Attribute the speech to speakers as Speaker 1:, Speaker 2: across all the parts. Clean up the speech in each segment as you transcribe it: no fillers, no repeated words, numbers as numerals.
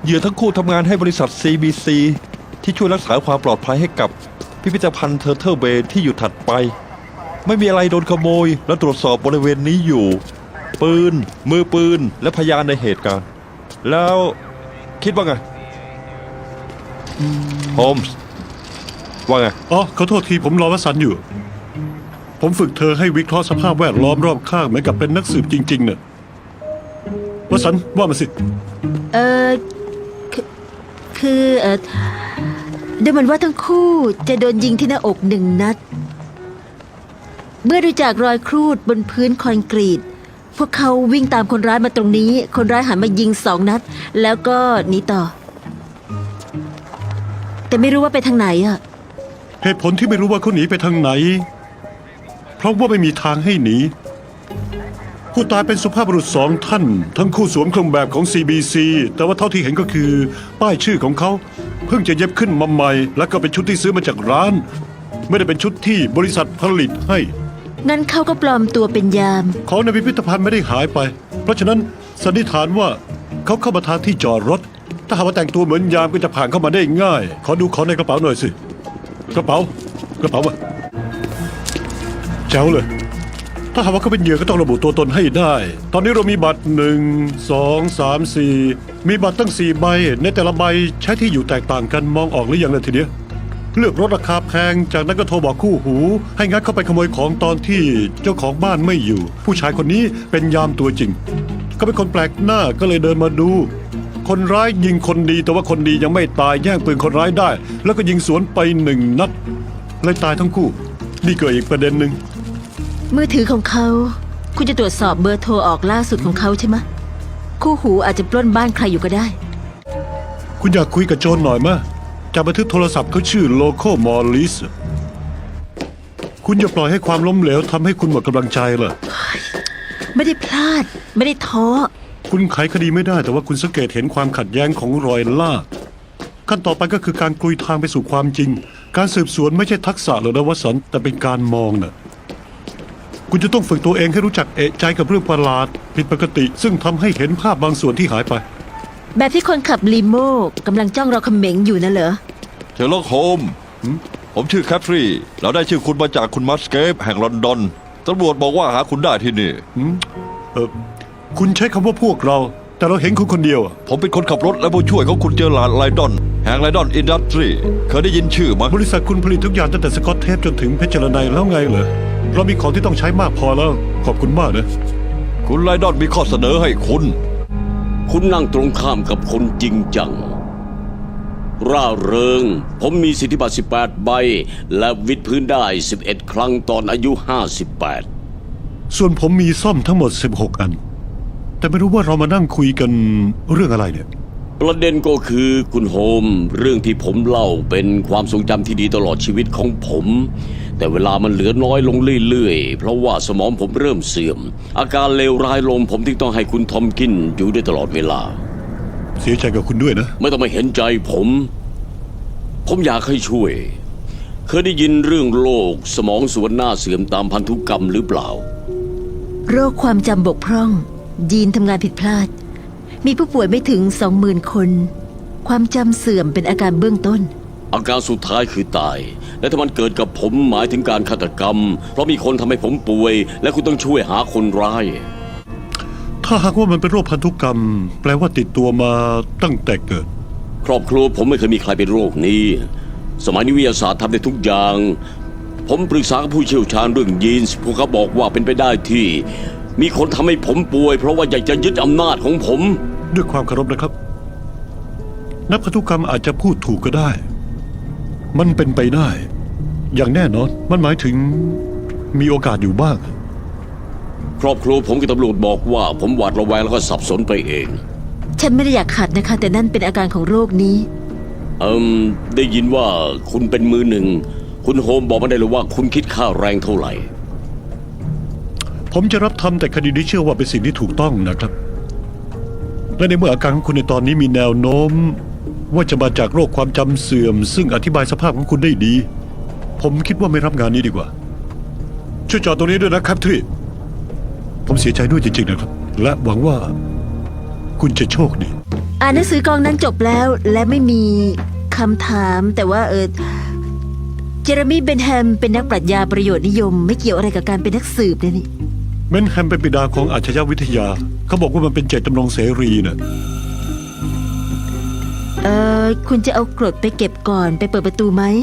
Speaker 1: เหยื่อทั้งคู่ทำงานให้บริษัท CBC ที่ช่วยรักษาความปลอดภัยให้กับพิพิธภัณฑ์เทอร์เทิลเบย์ที่อยู่ถัดไป ไม่มีอะไรโดนขโมยและตรวจสอบบริเวณนี้อยู่ปืนมือปืนและพยานในเหตุการณ์แล้วคิดว่าไงโฮมส์ว่าไง
Speaker 2: อ๋อขอโทษทีผมรอวสันต์อยู่ ผมฝึกเธอให้วิเคราะห์สภาพแวดล้อมรอบข้างเหมือนกับเป็นนักสืบจริงๆเนี่ยวสันต์ว่ามาสิ
Speaker 3: เออคือดูเหมือนว่าทั้งคู่จะโดนยิงที่หน้าอก1 นัด เมื่อดูจากรอยครูดบนพื้นคอนกรีตพวกเขาวิ่งตามคนร้ายมาตรงนี้คนร้ายหันมายิง2 นัดแล้วก็หนีต่อ แต่ไม่รู้ว่าไปทางไหนอะ
Speaker 2: เหตุผลที่ไม่รู้ว่าเขาหนีไปทางไหน เพราะว่าไม่มีทางให้หนีผู้ตายเป็นสุภาพบุรุษ2 ท่านทั้งคู่สวมเครื่องแบบของ CBC แต่ว่าเท่าที่เห็นก็คือ ป้ายชื่อของเขาเพิ่งจะเย็บขึ้นมาใหม่และก็เป็นชุดที่ซื้อมาจากร้าน ไม่ได้เป็นชุดที่บริษัทผลิตให้
Speaker 3: งั้นเขาก็ปลอมตัวเป็นยาม
Speaker 2: ของในพิพิธภัณฑ์ไม่ได้หายไป เพราะฉะนั้นสันนิษฐานว่าเขาเข้ามาทางที่จอดรถ ถ้าหากว่าแต่งตัวเหมือนยามก็จะผ่านเข้ามาได้ง่าย ขอดูของในกระเป๋าหน่อยสิ กระเป๋มาแจ๋วเลย ถ้าหากว่าเขาเป็นเหยื่อก็ต้องระบุตัวตนให้ได้ ตอนนี้เรามีบัตร1 2 3 4มีบัตรตั้ง4 ใบ ในแต่ละใบใช้ที่อยู่แตกต่างกันมองออกหรือยังล่ะทีเนี้ยเลือกรถราคาแพงจากนั้นก็โทรบอกคู่หู ให้งัดเข้าไปขโมยของตอนที่เจ้าของบ้านไม่อยู่ ผู้ชายคนนี้เป็นยามตัวจริงเขาเป็นคนแปลกหน้าก็เลยเดินมาดู คนร้ายยิงคนดีแต่ว่าคนดียังไม่ตายแย่งปืนคนร้ายได้ แล้วก็ยิงสวนไป1 นัดเลยตายทั้งคู่นี่เกิดอีกประเด็นหนึ่ง
Speaker 3: มือถือของเขาคุณจะตรวจสอบเบอร์โทรออกล่าสุดของเขาใช่ไหมคู่หูอาจจะปล้นบ้านใครอยู่ก็ได้
Speaker 2: คุณอยากคุยกับโจรหน่อยมะจากบันทึกโทรศัพท์เขาชื่อโลโคมอลลิสคุณอย่าปล่อยให้ความล้มเหลวทำให้คุณหมดกำลังใจเหรอ
Speaker 3: ไม่ได้พลาดไม่ได้ท้อ
Speaker 2: คุณไขคดีไม่ได้แต่ว่าคุณสังเกตเห็นความขัดแย้งของรอยลากขั้นต่อไปก็คือการกลุยทางไปสู่ความจริง การสืบสวนไม่ใช่ทักษะหรือนะวสันต์แต่เป็นการมองน่ะคุณจะต้องฝึกตัวเองให้รู้จักเอะใจกับเรื่องประหลาดผิดปกติ ซึ่งทำให้เห็นภาพบางส่วนที่หายไป
Speaker 3: แบบที่คนขับลีโม่กำลังจ้องเราเขม็งอยู่นั่นเหรอ
Speaker 1: เชอร์ล็อกโฮมส์ผมชื่อแคทรีเราได้ชื่อคุณมาจากคุณมัสเกฟแห่งลอนดอนตำรวจบอกว่าหาคุณได้ที่นี่
Speaker 2: คุณใช้คำว่าพวกเรา แต่เราเห็นคุณคนเดียวอะ
Speaker 1: ผมเป็นคนขับรถและผู้ช่วยของคุณเจอร์ลาร์ดไลดอนแห่งไลดอนอินดัสทรีเคยได้ยินชื่อมั้ย
Speaker 2: บริษัทคุณผลิตทุกอย่างตั้งแต่สกอตเทปจนถึงเพชรไนแล้วไงเหรอเรามีของที่ต้องใช้มากพอแล้วขอบคุณมากนะ
Speaker 1: คุณไลดอนมีข้อเสนอให้
Speaker 4: คุณนั่งตรงข้ามกับคนจริงจัง ร่าเริง ผมมีสิทธิบัตร18 ใบ และวิดพื้นได้ 11 ครั้งตอนอายุ 58
Speaker 2: ส่วนผมมีซ่อมทั้งหมด16 อัน แต่ไม่รู้ว่าเรามานั่งคุยกันเรื่องอะไรเนี่ย
Speaker 4: ประเด็นก็คือคุณโฮมเรื่องที่ผมเล่าเป็นความทรงจำที่ดีตลอดชีวิตของผม แต่เวลามันเหลือน้อยลงเรื่อยๆเพราะว่าสมองผมเริ่มเสื่อม อาการเลวร้ายลงผมจึงต้องให้คุณทอมกินอยู่ด้วยตลอดเวลา
Speaker 2: เสียใจกับคุณด้วยนะ
Speaker 4: ไม่ต้องมาเห็นใจผมอยากให้ช่วย เคยได้ยินเรื่องโรคสมองส่วนหน้าเสื่อมตามพันธุกรรมหรือเปล่า
Speaker 3: โรคความจำบกพร่อง ยีนทำงานผิดพลาด มีผู้ป่วยไม่ถึง 20,000 คน ความจำเสื่อมเป็นอาการเบื้องต้น
Speaker 4: อาการสุดท้ายคือตาย และถ้ามันเกิดกับผมหมายถึงการฆาตกรรม เพราะมีคนทำให้ผมป่วย และคุณต้องช่วยหาคนร้าย
Speaker 2: ถ้าหากว่ามันเป็นโรคพันธุกรรม แปลว่าติดตัวมาตั้งแต่เกิด
Speaker 4: ครอบครัวผมไม่เคยมีใครเป็นโรคนี้ สมัยนี้วิทยาศาสตร์ทำได้ทุกอย่าง ผมปรึกษากับผู้เชี่ยวชาญเรื่องยีนส์พวกเขาบอกว่าเป็นไปได้ที่ มีคนทำให้ผมป่วย เพราะว่าอยากจะยึดอำนาจของผม
Speaker 2: ด้วยความเคารพนะครับ นักพันธุกรรมอาจจะพูดถูกก็ได้ มันเป็นไปได้ อย่างแน่นอน มันหมายถึงมีโอกาสอยู่บ้าง
Speaker 4: ครอบครัวผมกับตำรวจบอกว่าผมหวาดระแวงแล้วก็สับสนไปเอง
Speaker 3: ฉันไม่ได้อยากขัดนะคะ แต่นั่นเป็นอาการของโรคนี้
Speaker 4: ได้ยินว่าคุณเป็นมือหนึ่ง คุณโฮมบอกมาได้เลยว่าคุณคิดค่าแรงเท่าไหร่
Speaker 2: ผมจะรับทำแต่คดีที่เชื่อว่าเป็นสิ่งที่ถูกต้องนะครับ และในเมื่ออาการของคุณในตอนนี้มีแนวโน้ม ว่าจะมาจากโรคความจำเสื่อม ซึ่งอธิบายสภาพของคุณได้ดี ผมคิดว่าไม่รับงานนี้ดีกว่า ช่วยจอดตรงนี้ด้วยนะครับทรีผมเสียใจด้วยจริงๆนะครับ และหวังว่าคุณจะโชคดี
Speaker 3: อ่านหนังสือกองนั้นจบแล้วและไม่มีคำถามแต่ว่าเจอร์มี่เบนแฮมเป็นนักปรัชญาประโยชน์นิยม ไม่เกี่ยวอะไรกับการเป็นนักสืบเลยนี่
Speaker 2: เมนแฮมเป็นบิดาของอาชญาวิทยา เขาบอกว่ามันเป็นเจตจำนงเสรีน่ะ
Speaker 3: คุณจะเอากรดไปเก็บก่อนไปเปิดประตูไหม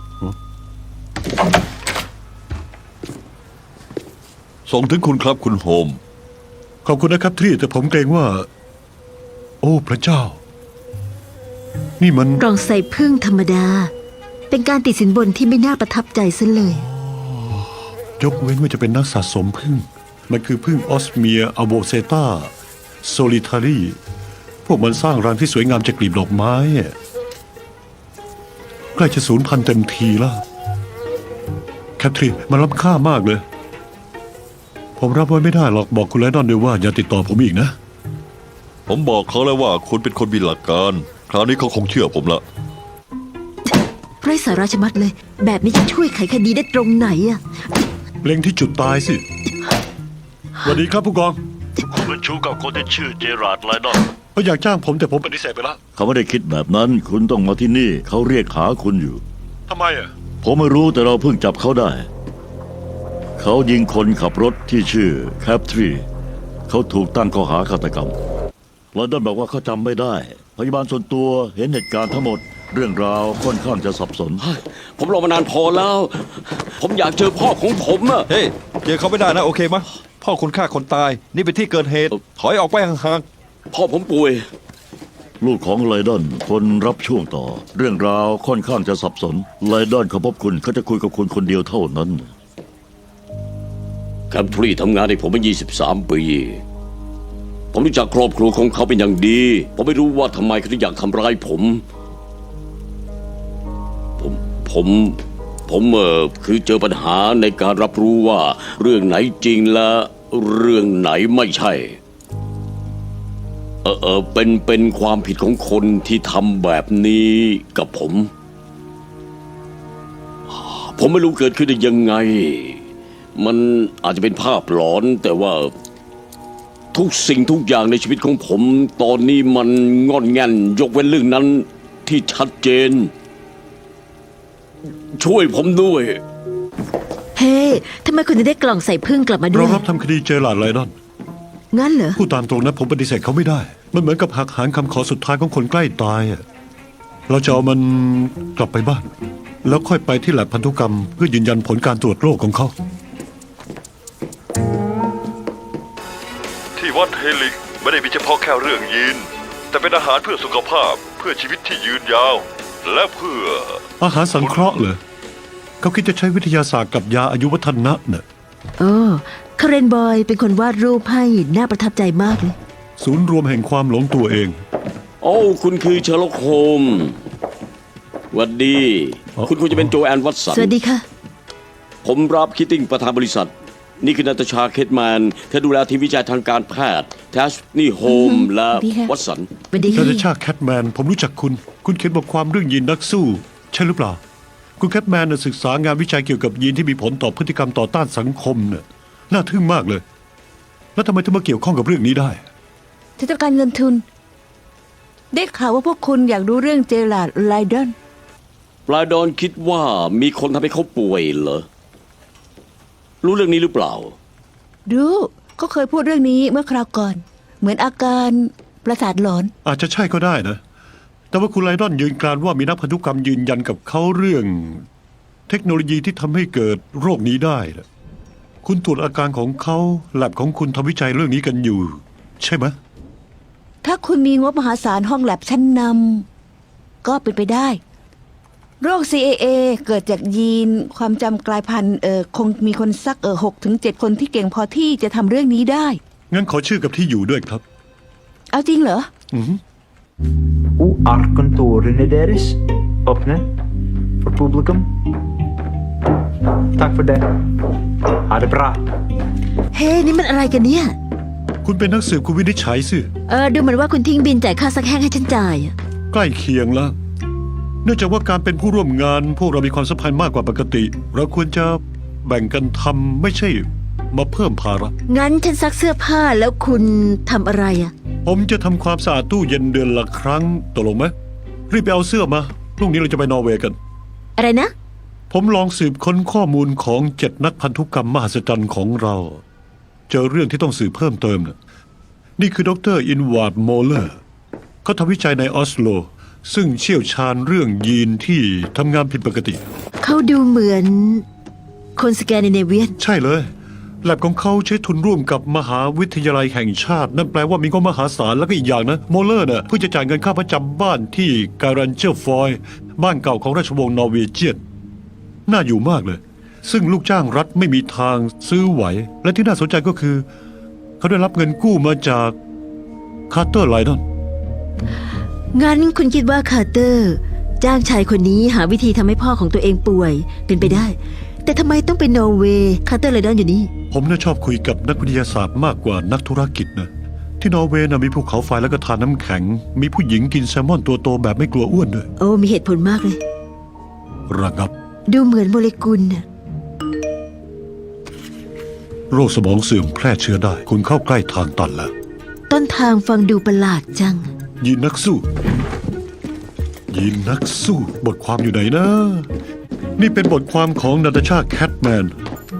Speaker 1: ส่งถึงคุณครับคุณโฮม
Speaker 2: ขอบคุณนะครับทรีแต่ผมเกรงว่า โอ้พระเจ้า นี่มัน
Speaker 3: กล่องใส่พึ่งธรรมดา เป็นการติดสินบนที่ไม่น่าประทับใจซะเลย
Speaker 2: ยกเว้นว่าจะเป็นนักสะสมพึ่ง มันคือพึ่งออสเมียอัลโบเซตาโซลิทารีพวกมันสร้างรังที่สวยงามจากกลีบดอกไม้อะใกล้จะสูญพันธุ์เต็มทีแล้วแคทรีมันล้ำค่ามากเลย ผมรับไว้ไม่ได้หรอกบอกคุณไลดอนด้วยว่าอย่าติดต่อผมอีกนะ
Speaker 1: ผมบอกเขาแล้วว่าคุณเป็นคนมีหลักการ คราวนี้เขาคงเชื่อผมละ
Speaker 3: ไร้สาระชะมัดเลย แบบนี้จะช่วยไขคดีได้ตรงไหนอะ
Speaker 2: เล็งที่จุดตายสิสวัสดีครับผู้กอง
Speaker 5: คุณเป็นชู้กับคนที่ชื่อเจอราร์ดไลดอน
Speaker 2: เขาอยากจ้างผมแต่ผมปฏิเสธไปแล้ว
Speaker 5: เขาไม่ได้คิดแบบนั้น คุณต้องมาที่นี่ เขาเรียกหาคุณอยู่
Speaker 2: ทำไมอ่ะ
Speaker 5: ผมไม่รู้แต่เราเพิ่งจับเขาได้ เขายิงคนขับรถที่ชื่อแคปทรีเขาถูกตั้งข้อหาฆาตกรรมไลดอนบอกว่าเขาจำไม่ได้ พยาบาลส่วนตัวเห็นเหตุการณ์ทั้งหมด เรื่องราวค่อนข้างจะสับสน
Speaker 4: ผมรอมานานพอแล้ว ผมอยากเจอพ่อของผมอะ
Speaker 1: เฮ้ยเจอเขาไม่ได้นะโอเคมะพ่อคุณฆ่าคนตาย นี่เป็นที่เกิดเหตุ ถอยออกไปห่าง
Speaker 4: พ่อผมป่วย
Speaker 5: ลูกของไลดอนคนรับช่วงต่อ เรื่องราวค่อนข้างจะสับสนไลดอนเขาพบคุณเขาจะคุยกับคุณคนเดียวเท่านั้น
Speaker 4: แคมทรีทำงานให้ผมมา23 ปี ผมรู้จักครอบครัวของเขาเป็นอย่างดี ผมไม่รู้ว่าทำไมเขาถึงอยากทำร้ายผม ผมคือเจอปัญหาในการรับรู้ว่าเรื่องไหนจริงและเรื่องไหนไม่ใช่ เป็นความผิดของคนที่ทำแบบนี้กับผม ผมไม่รู้เกิดขึ้นได้ยังไง มันอาจจะเป็นภาพหลอนแต่ว่าทุกสิ่งทุกอย่างในชีวิตของผม ตอนนี้มันงอนแง่นยกเว้นเรื่องนั้นที่ชัดเจน ช่วยผมด้วย
Speaker 3: เฮ้ทำไมคุณถึงได้กล่องใส่พึ่งกลับมาด้
Speaker 2: เรา
Speaker 3: วย
Speaker 2: รับทำคดีเจอหลาดไลดอน
Speaker 3: งั้นเหรอ
Speaker 2: พูดตามตรงนะผมปฏิเสธเขาไม่ได้ มันเหมือนกับหักหางคำขอสุดท้ายของคนใกล้ตายอะเราจะเอามันกลับไปบ้าน แล้วค่อยไปที่แลบพันธุกรรม เพื่อยืนยันผลการตรวจโรคของเขา
Speaker 1: ๆที่วัดเฮลิกไม่ได้มีเฉพาะแค่เรื่องยีน แต่เป็นอาหารเพื่อสุขภาพเพื่อชีวิตที่ยืนยาว และเพื่อ
Speaker 2: อาหารสังเคราะห์เหรอเขาคิดจะใช้วิทยาศาสตร์กับยาอายุวัฒนะน่ะ
Speaker 3: โอ้คาเรนบอยเป็นคนวาดรูปให้น่าประทับใจมากเลย
Speaker 2: ศูนย์รวมแห่งความหลงตัวเอง
Speaker 4: โอ้คุณคือเชอร์ล็อกโฮมส์หวัดดี
Speaker 2: อ๋อ
Speaker 4: คุณควรจะเป็นโจแอนวัตสัน
Speaker 3: สวัสดีค่ะ
Speaker 4: ผมรับคิตติ้งประธานบริษัท นี่คือนาตาชาเคทแมนเธอดูแลทีมวิจัยทางการแพทย์แทชนี่โฮมและ
Speaker 3: ดีค่ะ
Speaker 4: วัตสัน
Speaker 3: สวัสดี
Speaker 2: นา
Speaker 3: ค่ะ
Speaker 2: ตาชาแคทแมนผมรู้จักคุณ คุณเขียนบทความเรื่องยีนนักสู้ ใช่หรือเปล่า คุณแคทแมนน่ะศึกษางานวิจัยเกี่ยวกับยีนที่มีผลต่อพฤติกรรมต่อต้านสังคมน่ะน่าทึ่งมากเลย แล้วทำไมถึงมาเกี่ยวข้องกับเรื่องนี้ได้
Speaker 6: ที่ต้องการเงินทุน ได้ข่าวว่าพวกคุณอยากรู้เรื่องเจอราร์ดไลดอน
Speaker 4: ปลาดอนคิดว่ามีคนทำให้เขาป่วยเหรอ รู้เรื่องนี้หรือเปล่า
Speaker 6: รู้ก็เคยพูดเรื่องนี้เมื่อคราวก่อน เหมือนอาการประสาทหลอน
Speaker 2: อาจจะใช่ก็ได้นะ แต่ว่าคุณไลดอนยืนกรานว่ามีนักพันธุกรรมยืนยันกับเขาเรื่อง เทคโนโลยีที่ทำให้เกิดโรคนี้ได้นะคุณตรวจอาการของเขาแลบของคุณทำวิจัยเรื่องนี้กันอยู่ ใช่ไหม
Speaker 6: ถ้าคุณมีงบมหาศาลห้องแลบชั้นนำก็เป็นไปได้ โรค CAA เกิดจากยีนความจำกลายพันธุ์คงมีคนสัก6 ถึง 7 คนที่เก่งพอที่จะทำเรื่องนี้ได้
Speaker 2: งั้นขอชื่อกับที่อยู่ด้วยครับ
Speaker 6: เอาจริงเหรอ
Speaker 7: Hoe arkkantorene deres åpne for publikum. Takk for det. Ha det bra.
Speaker 3: เฮ้นี่มันอะไรกันเนี่ย
Speaker 2: คุณเป็นนักสืบคุณวินิจฉัยสิ
Speaker 3: ดูเหมือนว่าคุณทิ้งบินจ่ายค่าซักแห้งให้ฉันจ่ายอะ
Speaker 2: ใกล้เคียงแล้ว เนื่องจากว่าการเป็นผู้ร่วมงาน พวกเรามีความสัมพันธ์มากกว่าปกติ เราควรจะแบ่งกันทำไม่ใช่มาเพิ่มภาระ
Speaker 3: งั้นฉันซักเสื้อผ้าแล้วคุณทำอะไรอะ
Speaker 2: ผมจะทำความสะอาดตู้เย็นเดือนละครั้งตกลงไหมรีบไปเอาเสื้อมาพรุ่งนี้เราจะไปนอร์เวย์กัน
Speaker 3: อะไรนะ
Speaker 2: ผมลองสืบค้นข้อมูลของ7 นักพันธุกรรมมหัศจรรย์ของเรา เจอเรื่องที่ต้องสืบเพิ่มเติมนะนี่คือดรอินวาร์ดโมเลอร์เขาทำวิจัยในออสโล ซึ่งเชี่ยวชาญเรื่องยีนที่ทำงานผิดปกติ
Speaker 3: เขาดูเหมือนคนสแกนดิเนเวียน
Speaker 2: ใช่เลยแลบของเขาใช้ทุนร่วมกับมหาวิทยาลัยแห่งชาติ นั่นแปลว่ามีงบมหาศาลแล้วก็อีกอย่างนะโมเลอร์เพิ่งจะจ่ายเงินค่าประจำบ้านที่การันเจอร์ฟอยบ้านเก่าของราชวงศ์นอร์เวเจียนน่าอยู่มากเลย ซึ่งลูกจ้างรัฐไม่มีทางซื้อไหว และที่น่าสนใจก็คือ เขาได้รับเงินกู้มาจากคาร์เตอร์ไลดอน
Speaker 3: งั้นคุณคิดว่าคาร์เตอร์ จ้างชายคนนี้หาวิธีทำให้พ่อของตัวเองป่วยเป็นไปได้ แต่ทำไมต้องเป็นนอร์เวย์คาร์เตอร์ไลดอนอยู่นี่
Speaker 2: ผมน่าชอบคุยกับนักวิทยาศาสตร์มากกว่านักธุรกิจนะที่นอร์เวย์มีภูเขาไฟและก็ทานน้ำแข็ง มีผู้หญิงกินแซลมอนตัวโตแบบไม่กลัวอ้วนด้วย
Speaker 3: โอ้มีเหตุผลมากเลย
Speaker 2: ระงับ
Speaker 3: ดูเหมือนโมเลกุลน่ะ
Speaker 2: โรคสมองเสื่อมแพร่เชื้อได้ คุณเข้าใกล้ทางตันแล้ว
Speaker 3: ต้นทางฟังดูประหลาดจัง
Speaker 2: ยีนนักสู้ ยีนนักสู้ บทความอยู่ไหนนะ นี่เป็นบทความของนาตาชาแคทแมน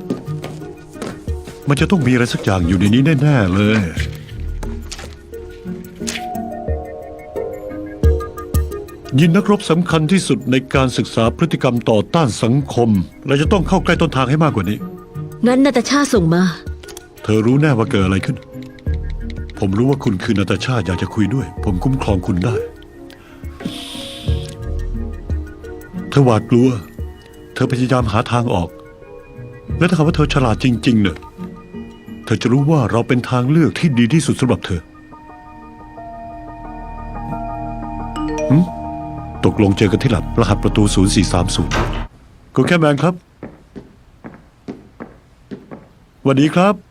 Speaker 2: มันจะต้องมีอะไรสักอย่างอยู่ในนี้แน่ๆเลย ยีนนักรบสำคัญที่สุดในการศึกษาพฤติกรรมต่อต้านสังคม เราจะต้องเข้าใกล้ต้นทางให้มากกว่านี้
Speaker 3: งั้นนาตาชาส่งมา
Speaker 2: เธอรู้แน่ว่าเกิดอะไรขึ้น ผมรู้ว่าคุณคือนาตาชาอยากจะคุยด้วย ผมคุ้มครองคุณได้ เธอหวาดกลัว เธอพยายามหาทางออก และถ้าหากว่าเธอฉลาดจริงๆเนี่ยเธอจะรู้ว่าเราเป็นทางเลือกที่ดีที่สุดสำหรับเธอตกลงเจอกันที่หลับรหัสประตู 0430คุณแค่แมนครับสวัสดีครับ